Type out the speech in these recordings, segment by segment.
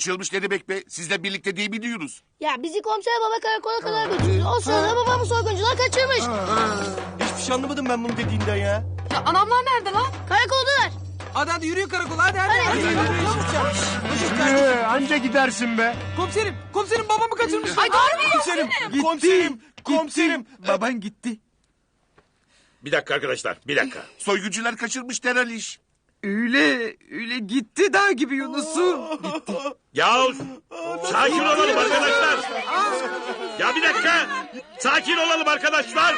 Kaçırılmış ne demek be? Sizle birlikte değil mi diyoruz? Ya bizi komiser baba karakola kadar götürdü. O sırada babamı soyguncular kaçırmış. Hiçbir şey anlamadım ben bunu dediğinden ya. Ya anamlar nerede lan? Karakoldalar. Hadi yürüyün karakola hadi. Anca gidersin be. Komiserim babamı kaçırmışlar. Ay doğru mu? Komiserim. Baban gitti. Bir dakika arkadaşlar, bir dakika. Soyguncular kaçırmış derhal iş. Öyle gitti dağ gibi Yunus'u. Yahu sakin olalım arkadaşlar. Ya bir dakika. Sakin olalım arkadaşlar.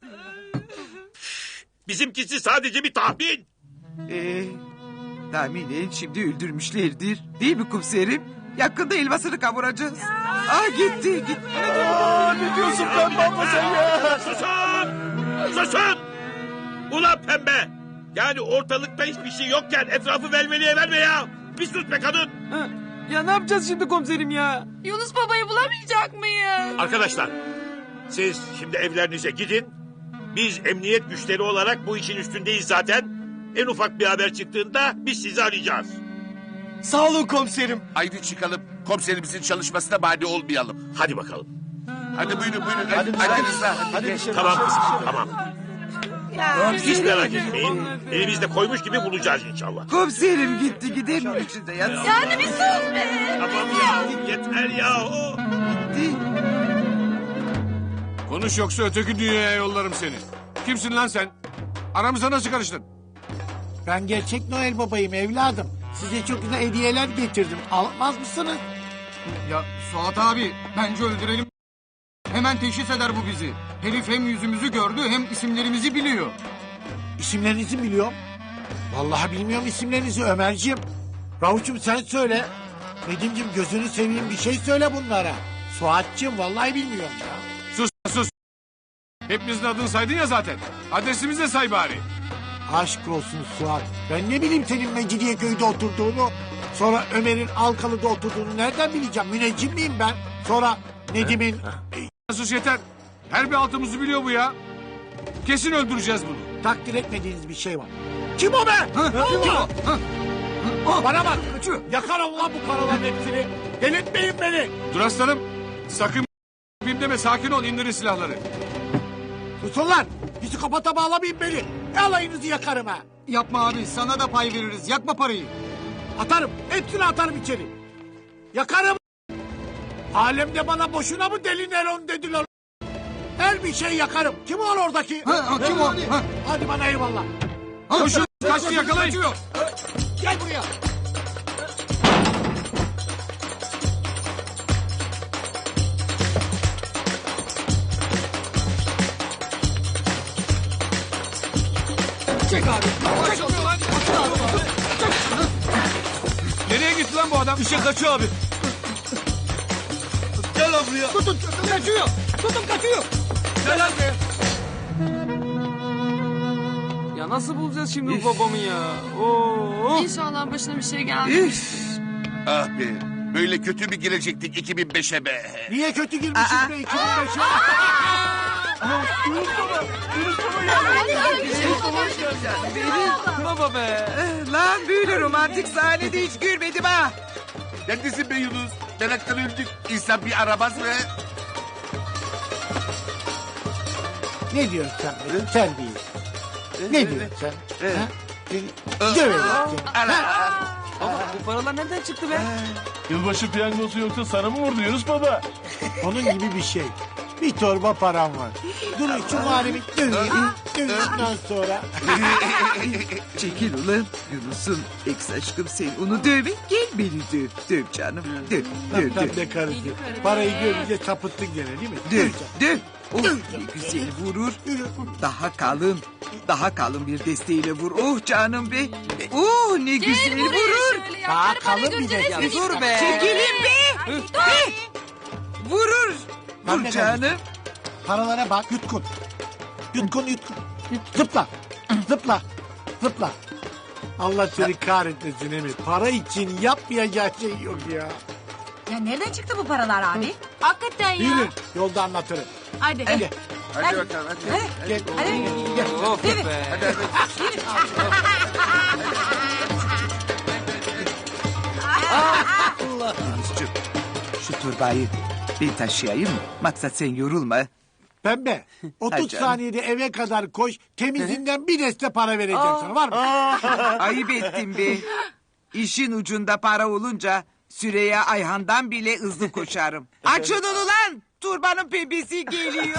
Bizimkisi sadece bir tahmin. Tahminen şimdi öldürmüşlerdir. Değil mi komiserim? Yakında elmasını kavuracağız. Gitti. Ne diyorsun pembe abla sen ya? Susun! Ulan pembe! Yani ortalıkta hiçbir şey yokken etrafı velveliye verme ya! Bir sus be kadın! Ya ne yapacağız şimdi komiserim ya? Yunus babayı bulamayacak mıyız? Arkadaşlar, siz şimdi evlerinize gidin. Biz emniyet güçleri olarak bu işin üstündeyiz zaten. En ufak bir haber çıktığında biz sizi arayacağız. Sağ olun komiserim. Haydi çıkalım. Komiserimizin çalışmasına mani olmayalım. Hadi bakalım. Hadi buyurun. Hadi Rıza. Hadi. Tamam kızım, tamam. Hiç merak etmeyin. Elimizde koymuş gibi bulacağız inşallah. Komiserim gitti gidelim içinde yatsın. Yani bir sus be. Tamam ya, yeter ya. Gitti. Konuş yoksa öteki dünyaya yollarım seni. Kimsin lan sen? Aramıza nasıl karıştın? Ben gerçek Noel babayım evladım. Size çok güzel hediyeler getirdim. Almaz mısınız? Ya Suat abi bence öldürelim. Hemen teşhis eder bu bizi. Herif hem yüzümüzü gördü hem isimlerimizi biliyor. İsimlerinizi biliyorum. Vallahi bilmiyorum isimlerinizi Ömerciğim. Ravuç'um sen söyle. Nedim'ciğim gözünü seveyim bir şey söyle bunlara. Suat'cığım vallahi bilmiyorum ya. Sus. Hepimizin adını saydın ya zaten. Adresimizi de say bari. Aşk olsun Suat. Ben ne bileyim senin Mecidiyeköy'de oturduğunu. Sonra Ömer'in Alkalı'da oturduğunu nereden bileceğim? Müneccim miyim ben? Sonra Nedim'in... Sus yeter. Her bir altımızı biliyor bu ya. Kesin öldüreceğiz bunu. takdir etmediğiniz bir şey var. Kim o be? Kim o? Bana bak. Yakarım lan bu paraların hepsini. Delirtmeyin beni. Dur aslanım. Sakın deme, sakin ol, indirin silahları. Susun lan. Psikopata bağlamayın beni. Alayınızı yakarım ha. Yapma abi sana da pay veririz yakma parayı. Atarım. Hepsini atarım içeri. Yakarım. Alemde bana boşuna mı deli Neron dediler. Her bir şey yakarım. Kim o oradaki? Kim o? Hadi bana eyvallah. Koşun, kaçtı, yakalayın. Gel buraya. Çek abi. Nereye gitti lan bu adam? Bir şey kaçıyor abi. Gel lan buraya. Tutun kaçıyor. Tutun kaçıyor. Gel lan buraya. Ya nasıl bulacağız şimdi bu babamı ya? Oo. İnşallah başına bir şey gelmez. Ah be. Böyle kötü mü girecektik 2005'e be? Niye kötü girmişiz be 2005'e? Baba be. Lan böyle romantik sahnede hiç görmedim ha. Neredesin be Yunus? Meraktan öldük. İnsan bir aramaz mı? Ne diyorsun sen benim terbiyesiz? Ne diyorsun sen? Ha? Döverim seni. Baba bu paralar nereden çıktı be? Yılbaşı piyangosu yoksa sana mı vurdu Yunus baba? Onun gibi bir şey. Bir torba param var. Durun şu muharebi döveyim. Dövdükten sonra. Çekil ulan Yunus'un ex aşkım sen onu dövme gel beni döv. Döv canım döv. Döv Lan döv. be karısı. Parayı görünce tapıttın gene değil mi? Döv döv. Oh ne güzel vurur. Daha kalın bir desteğiyle vur. Oh canım be. Oh ne güzel Gel buraya vurur. şöyle ya. Daha Karı para kalın görünce bir de resmini Vur ister. be. Çekilin be. Be. Vurur. Lan Vur be canım. Paralara bak yutkun. Yutkun. Zıpla. Zıpla. Zıpla. Allah seni kahretmesin Emir. Para için yapmayacağı şey yok ya. Ya nereden çıktı bu paralar abi? Hakikaten ya. Yürü. Yolda anlatırım. Hadi. Gel. Hadi bakalım hadi. Gel. Hadi. Gel. Of be. Yunus'cum şu turbayı ben taşıyayım mı? Maksat sen yorulma. Pembe 30 Ay canım. saniyede eve kadar koş. Temizinden bir deste para vereceğim sana. Var mı? Ayıp ettin be. İşin ucunda para olunca Süreyya Ayhan'dan bile hızlı koşarım. Açın onu lan! Turbanın pembesi geliyor.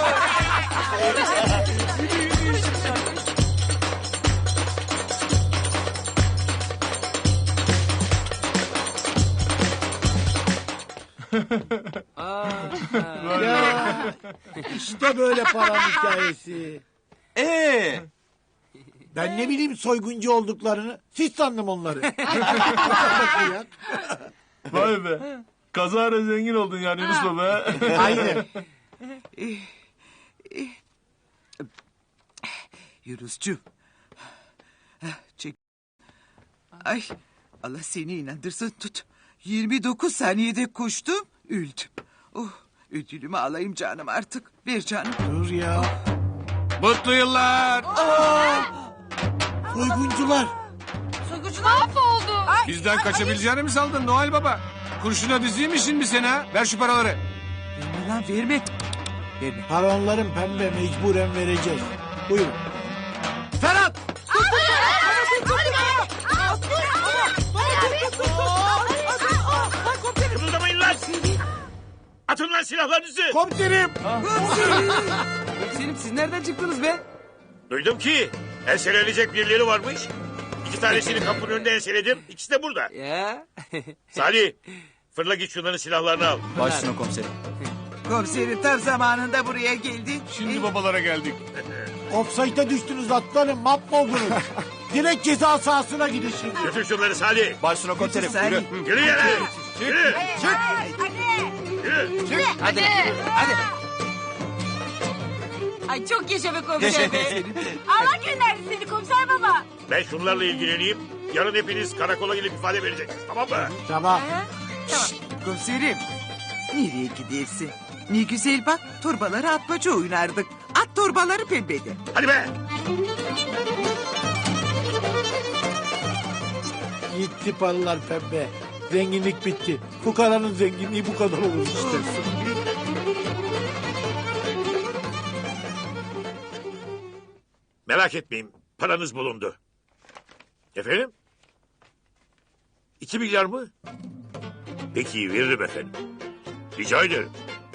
Ya, işte böyle para hikayesi. Ben ne bileyim soyguncu olduklarını. Siz sandım onları. Bak ya. Vay be. Kazara zengin oldun yani Yunus Baba. Aynen. Yunus'cum. Çek. Ay Allah seni inandırsın tut. 29 saniyede koştum öldüm. Oh, ödülümü alayım canım artık. Ver canım. Dur ya. Mutlu yıllar. Soyguncular. Soyguncular mahvoldu. Bizden kaçabileceğini mi sandın Noel Baba? Kurşuna dizeyim mi şimdi seni ha? Ver şu paraları. Verme lan verme. Verme. Paronların pembe mecburen vereceğiz. Buyurun. Ferhat! Kımıldamayın lan. Atın lan silahlarınızı. Komiserim! Selim siz nereden çıktınız be? Duydum ki enselenecek birileri varmış. 2 tanesini kapının önünde enseledim. İkisi de burada. Ya. Salih fırla git şunların silahlarını al. Başüstüne komiserim. Komiserim tam zamanında buraya geldi. Şimdi babalara geldik. Offside'a düştünüz atlarım mahvoldunuz. Direkt ceza sahasına gidin şimdi. Götür şunları Salih. Başüstüne komiserim. Sen- Yürü. Yürü yere. Yürü. Yürü. Hadi. Hadi. Ay çok yaşa be komiser be. Allah gönderdi seni komiser baba. Ben şunlarla ilgileneyim. Yarın hepiniz karakola gelip ifade vereceksiniz. Tamam mı? Tamam. Komiserim. Nereye gidersin? Ne güzel bak torbaları atmaca oynardık. At torbaları pembede. Hadi be. Gitti paralar pembe. Zenginlik bitti. Fukaranın zenginliği bu kadar olur işte. Merak etmeyin. Paranız bulundu. Efendim? 2 milyar mı? Peki veririm efendim. Rica ederim.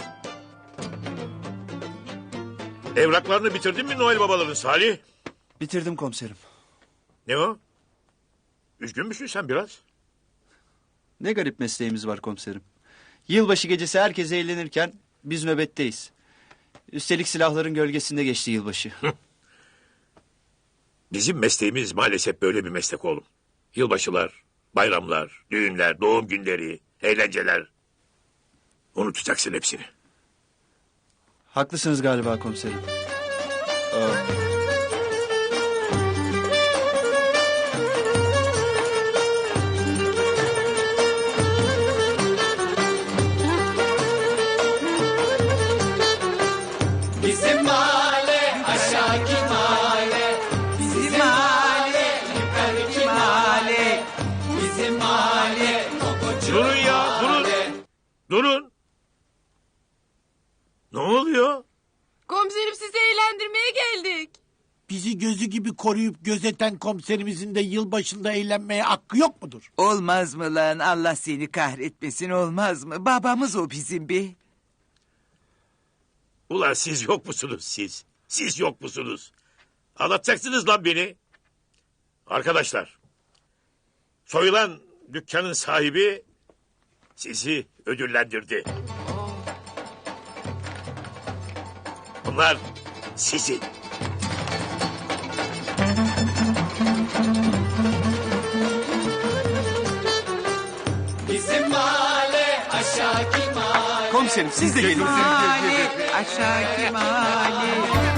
Evraklarını bitirdin mi Noel babaların Salih? Bitirdim komiserim. Ne o? Üzgün müsün sen biraz? Ne garip mesleğimiz var komiserim. Yılbaşı gecesi herkes eğlenirken biz nöbetteyiz. Üstelik silahların gölgesinde geçti yılbaşı. Bizim mesleğimiz maalesef böyle bir meslek oğlum. Yılbaşılar, bayramlar, düğünler, doğum günleri, eğlenceler. Unutacaksın hepsini. Haklısınız galiba komiserim. Durun ya, durun. Durun. Ne oluyor? Komiserim sizi eğlendirmeye geldik. Bizi gözü gibi koruyup gözeten komiserimizin de yılbaşında eğlenmeye hakkı yok mudur? Olmaz mı lan Allah seni kahretmesin olmaz mı? Babamız o bizim be. Ulan siz yok musunuz siz? Siz yok musunuz? Anlatacaksınız lan beni. Arkadaşlar. Soyulan dükkanın sahibi sizi ödüllendirdi. Bunlar sizin. Komiserim siz de gelin. Mahalle aşağı mahalle.